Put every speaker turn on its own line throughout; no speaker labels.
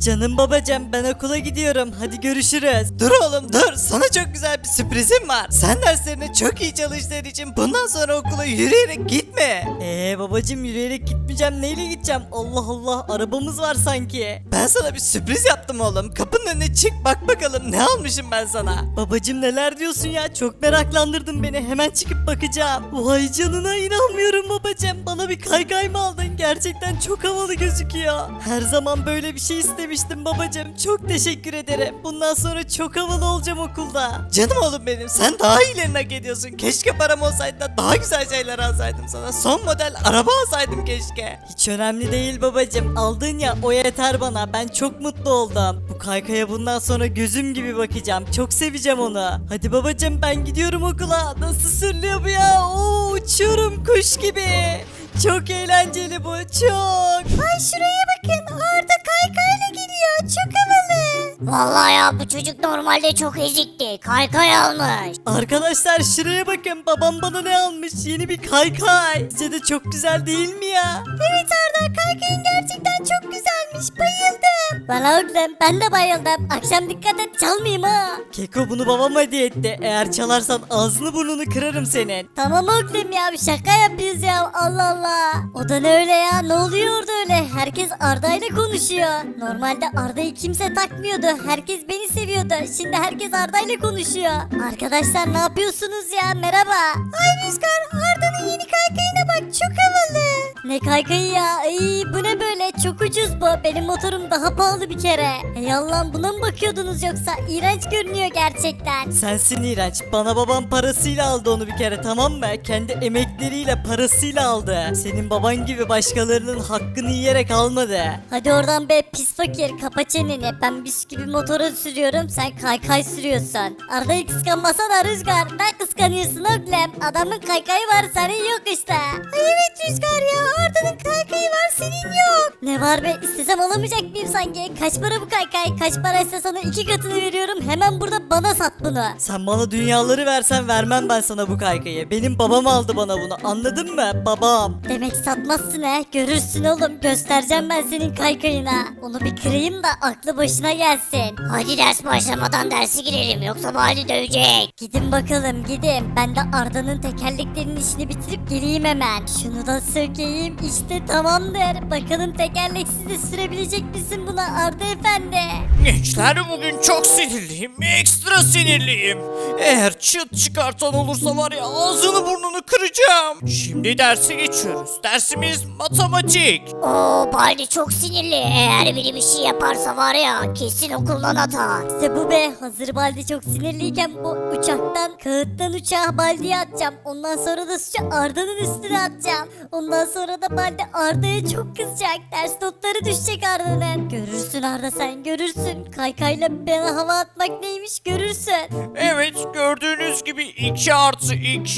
Canım babacığım ben okula gidiyorum. Hadi görüşürüz.
Dur oğlum dur, sana çok güzel bir sürprizim var. Sen derslerine çok iyi çalıştığın için bundan sonra okula yürüyerek gitme.
Babacığım yürüyerek gitmeyeceğim. Neyle gideceğim? Allah Allah arabamız var sanki.
Ben sana bir sürpriz yaptım oğlum. Kapının önüne çık bak bakalım ne almışım ben sana.
Babacığım neler diyorsun ya? Çok meraklandırdın beni. Hemen çıkıp bakacağım. Vay canına inanmıyorum babacığım. Bana bir kaykay mı aldın? Gerçekten çok havalı gözüküyor. Her zaman böyle bir şey istemiştim babacığım. Çok teşekkür ederim. Bundan sonra çok havalı olacağım okulda.
Canım oğlum benim, sen daha iyilerini hak ediyorsun. Keşke param olsaydı da daha güzel şeyler alsaydım sana. Son model araba alsaydım keşke.
Hiç önemli değil babacığım. Aldın ya o yeter bana. Ben çok mutlu oldum. Bu kaykaya bundan sonra gözüm gibi bakacağım. Çok seveceğim onu. Hadi babacığım ben gidiyorum okula. Nasıl sürülüyor bu ya? Oo, uçuyorum kuş gibi. Çok eğlenceli bu çok.
Ay şuraya bakın, Arda kaykayla gidiyor, çok havalı. Vallahi ya bu çocuk normalde çok ezikti, kaykay almış.
Arkadaşlar şuraya bakın. Babam bana ne almış? Yeni bir kaykay. Sizce de çok güzel değil mi ya?
Evet Arda, kaykayın gerçekten çok güzelmiş, bayıldım. Valla oğlum ben de bayıldım, akşam dikkat et çalmayayım ha.
Keko bunu babam hediye etti. Eğer çalarsan ağzını burnunu kırarım senin.
Tamam oğlum ya, bir şaka yapıyoruz ya, Allah Allah. O da ne öyle ya, ne oluyor orada öyle? Herkes Arda ile konuşuyor. Normalde Arda'yı kimse takmıyordu, herkes beni seviyordu. Şimdi herkes Arda ile konuşuyor. Arkadaşlar ne yapıyorsunuz ya, merhaba. Ay Rüzgar, Arda'nın yeni kaykayına bak, çok havalı. Ne kaykayı ya, ay bu ne böyle, çok ucuz bu. Benim motorum daha pahalı bir kere. Ey Allah'ım, buna mı bakıyordunuz yoksa? İğrenç görünüyor gerçekten.
Sensin iğrenç. Bana babam parasıyla aldı onu bir kere tamam mı? Kendi emekleriyle parasıyla aldı. Senin baban gibi başkalarının hakkını yiyerek almadı.
Hadi oradan be pis fakir, kapa çeneni. Ben bisküvi motoru sürüyorum, sen kaykay sürüyorsun. Arda'yı kıskanmasana Rüzgar, ne kıskanıyorsun oğlum? Adamın kaykayı var, senin yok işte. Ay evet Rüzgar ya, Arda'nın kaykayı var, senin yok. Ne var be, istesem alamayacak mıyım sanki? Kaç para bu kaykay? Kaç paraysa sana 2 katını veriyorum, hemen burada bana sat bunu.
Sen bana dünyaları versen vermem ben sana bu kaykayı. Benim babam aldı bana bunu anladın mı? Babam.
Demek satmazsın he, görürsün oğlum, göstereceğim ben senin kaykayına. Onu bir kırayım da aklı başına gelsin. Hadi ders başlamadan dersi girelim, yoksa Bali dövecek. Gidin bakalım gidin, ben de Arda'nın tekerleklerinin işini bitirip geleyim hemen. Şunu da sökeyim, işte tamamdır. Bakalım tekerleksiz de sürebilecek misin buna Arda efendi?
Gençler bugün çok sinirliyim, ekstra sinirliyim. Eğer çıt çıkartan olursa var ya ağzını burnunu kıracağım. Şimdi derse geçiyoruz. Dersimiz matematik.
Oo Baldi çok sinirli, eğer biri bir şey yaparsa var ya kesin okuldan atar. İşte bu be, hazır Baldi çok sinirliyken bu uçaktan kağıttan uçağa Baldi'ye atacağım. Ondan sonra da suçu Arda'nın üstüne atacağım. Ondan sonra da Baldi Arda'ya çok kızacak, ders notları düşecek Arda'nın. Görürsün Arda, sen görürsün, kaykayla bana hava atmak neymiş görürsün.
Evet gördüğünüz gibi 2 artı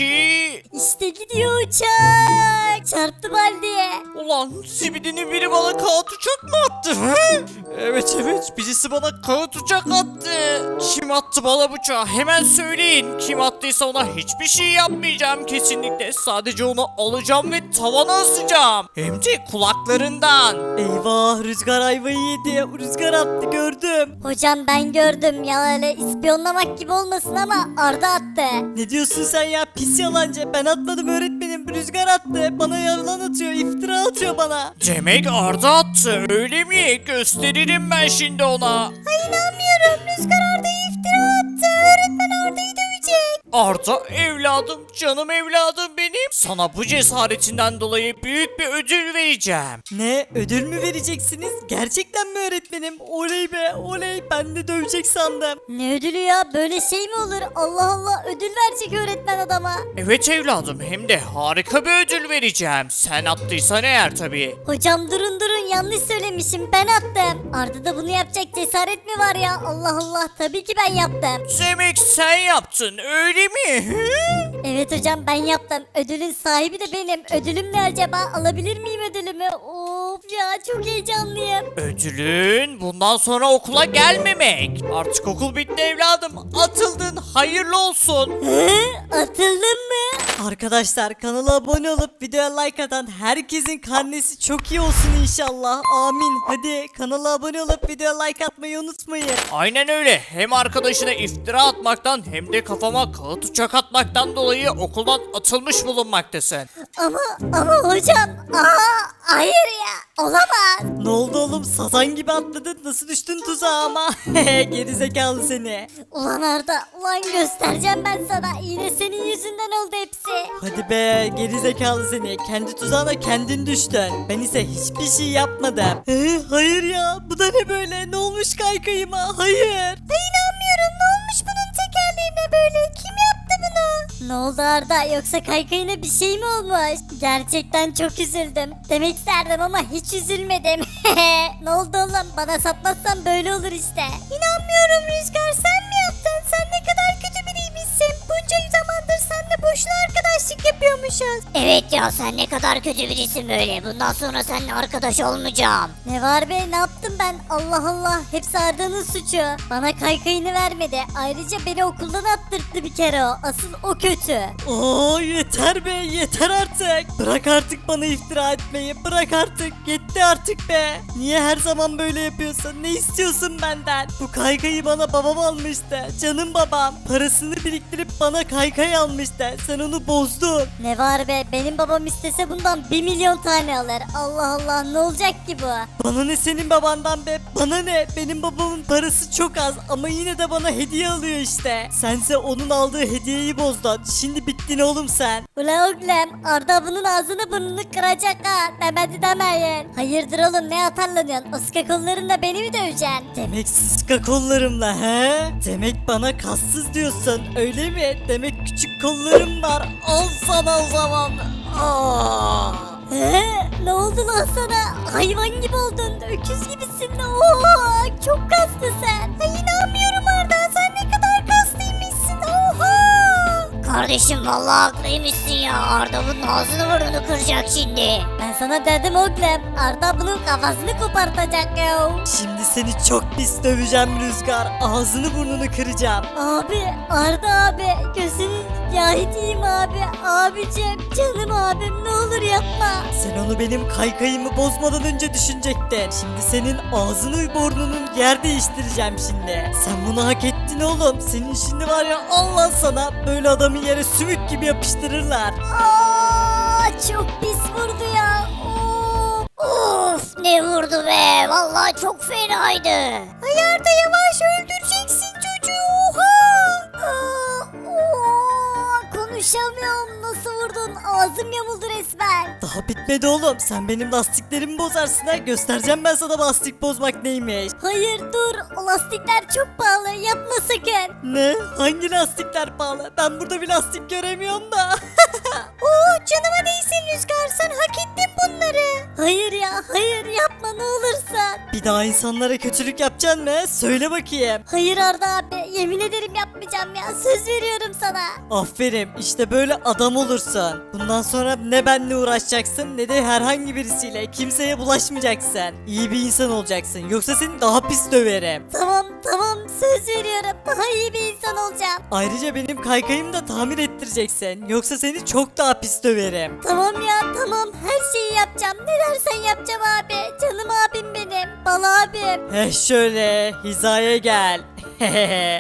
2.
İşte gidiyor uçak, çarptı Baldi'ye.
Ulan zibidinin biri bana kağıt uçak mı attı? He? Evet birisi bana kağıt uçak attı. Kim attı bana bıçağı? Hemen söyleyin. Kim attıysa ona hiçbir şey yapmayacağım kesinlikle. Sadece onu alacağım ve tavana asacağım. Hem de kulaklarından.
Eyvah Rüzgar ayvayı yedi. Rüzgar attı gördüm.
Hocam ben gördüm ya, öyle ispiyonlamak gibi olmasın ama Arda attı.
Ne diyorsun sen ya pis yalancı. Ben atmadım öğretmenim. Rüzgar attı. Bana yalan atıyor. İftira atıyor bana.
Demek Arda attı öyle mi? Gösteririm ben şimdi ona.
Ay inanmıyorum, Rüzgar Arda'ya iftira attı. Öğretmen Arda'yı dövecek.
Arda evladım, canım evladım benim. Sana bu cesaretinden dolayı büyük bir ödül vereceğim.
Ne ödül mü vereceksiniz? Gerçekten mi öğretmenim? Oley be oley. Ben de dövecek sandım.
Ne ödülü ya, böyle şey mi olur? Allah Allah, ödül verecek öğretmen adama.
Evet evladım, hem de harika bir ödül vereceğim. Sen attıysan eğer tabii.
Hocam durun yanlış söylemişim, ben attım. Arda'da bunu yapacak cesaret mi var ya? Allah Allah, tabii ki ben yaptım.
Demek sen yaptın öyle mi? Hı?
Evet hocam ben yaptım. Ödülün sahibi de benim. Ödülüm ne acaba? Alabilir miyim ödülümü? Of ya çok heyecanlıyım.
Ödülün bundan sonra okula gelmemek. Artık okul bitti evladım. Atıldın. Hayırlı olsun.
Hı? Atıldın mı?
Arkadaşlar kanala abone olup videoya like atan herkesin karnesi çok iyi olsun inşallah. Amin. Hadi kanala abone olup videoya like atmayı unutmayın.
Aynen öyle. Hem arkadaşına iftira atmaktan hem de kafama kağıt uçak atmaktan dolayı okuldan atılmış bulunmaktasın.
Ama hocam. Hayır ya. Olamaz.
Ne oldu oğlum, sazan gibi atladın, nasıl düştün tuzağa ama. Gerizekalı seni.
Ulan Arda. Ulan göstereceğim ben sana. Yine senin yüzünden oldu hepsi.
Hadi be gerizekalı seni, kendi tuzağına kendin düştün. Ben ise hiçbir şey yapmadım. Hayır ya, bu da ne böyle, ne olmuş kaykayıma, hayır.
İnanmıyorum. Ne olmuş bunun tekerleğine böyle? Kim yaptı bunu? Ne oldu Arda? Yoksa kaykayına bir şey mi olmuş? Gerçekten çok üzüldüm. Demek isterdim ama hiç üzülmedim. Ne oldu oğlum? Bana satmazsan böyle olur işte. İnanmıyorum Rüzgar. Sen mi yaptın? Sen ne kadar kötü biriymişsin. Bunca zamandır seninle boşuna arkadaşlık yapıyormuşuz. Evet ya sen ne kadar kötü birisin böyle. Bundan sonra seninle arkadaş olmayacağım. Ne var be? Ne yaptım ben? Allah Allah. Hepsi Arda'nın suçu. Bana kaykayını vermedi. Ayrıca beni okuldan attırttı bir kere o. Asıl o kötü.
Oo yeter be, yeter artık. Bırak artık bana iftira etmeyi, bırak artık, yetti artık be. Niye her zaman böyle yapıyorsun, ne istiyorsun benden? Bu kaykayı bana babam almıştı, canım babam. Parasını biriktirip bana kaykay almıştı, sen onu bozdun.
Ne var be? Benim babam istese bundan 1 milyon tane alır. Allah Allah ne olacak ki bu?
Bana ne senin babandan be, bana ne? Benim babamın parası çok az ama yine de bana hediye alıyor işte. Sense onun aldığı hediyeyi bozdun, şimdi bittin oğlum sen.
Ula oğlum Arda bunun ağzını burnunu kıracak ha. Demedi demeyin. Hayırdır oğlum ne atarlanıyorsun? Iska kollarınla beni mi döveceksin?
Demek sıska kollarımla he? Demek bana kassız diyorsun öyle mi? Demek küçük kollarım var. Al sana o zaman. Aa.
He? Ne oldu lan sana? Hayvan gibi oldun. Öküz gibisin. Oha! Çok kaslı sen. Ay inanmıyorum Arda. Sen ne kadar kaslıymışsın. Oha! Kardeşim vallahi haklıymışsın ya. Arda bunun ağzını burnunu kıracak şimdi. Ben sana dedim oğlum. Arda bunun kafasını kopartacak ya.
Şimdi seni çok pis döveceğim Rüzgar. Ağzını burnunu kıracağım.
Abi Arda abi gözünün yahidiyim abi. Abicim canım abim ne olur yapma.
Sen onu benim kaykayımı bozmadan önce düşünecektin. Şimdi senin ağzını burnunun yer değiştireceğim şimdi. Sen bunu hak ettin oğlum. Senin şimdi var ya, Allah sana, böyle adamı yere sümük gibi yapıştırırlar.
Aa, çok pis vurdu ya. Of ne vurdu be. Vallahi çok fenaydı. Ay Arda yavaş öldüreceksin çocuğu. Oha. Konuşamıyorum. Nasıl vurdun? Ağzım yamuldu resmen.
Daha bitmedi oğlum. Sen benim lastiklerimi bozarsın ha. Göstereceğim ben sana lastik bozmak neymiş.
Hayır dur. O lastikler çok pahalı. Yapma sakın.
Ne? Hangi lastikler pahalı? Ben burada bir lastik göremiyorum da.
Oo canıma değsin Rüzgar. Sen hak ettin bunları. Hayır ya hayır yapma ne olursun.
Bir daha insanlara kötülük yapacaksın mı? Söyle bakayım.
Hayır Arda abi yemin ederim yapmayacağım ya. Söz veriyorum sana.
Aferin, işte böyle adam olursun. Bundan sonra ne benimle uğraşacaksın ne de herhangi birisiyle, kimseye bulaşmayacaksın. İyi bir insan olacaksın, yoksa seni daha pis döverim.
Tamam tamam söz veriyorum. Daha iyi bir insan olacağım.
Ayrıca benim kaykayımı da tamir ettireceksin, yoksa seni çok daha pis döverim.
Tamam ya tamam her şeyi yapacağım. Ne dersen yapacağım abi. Canım abim benim. Bal abim.
Şöyle hizaya gel.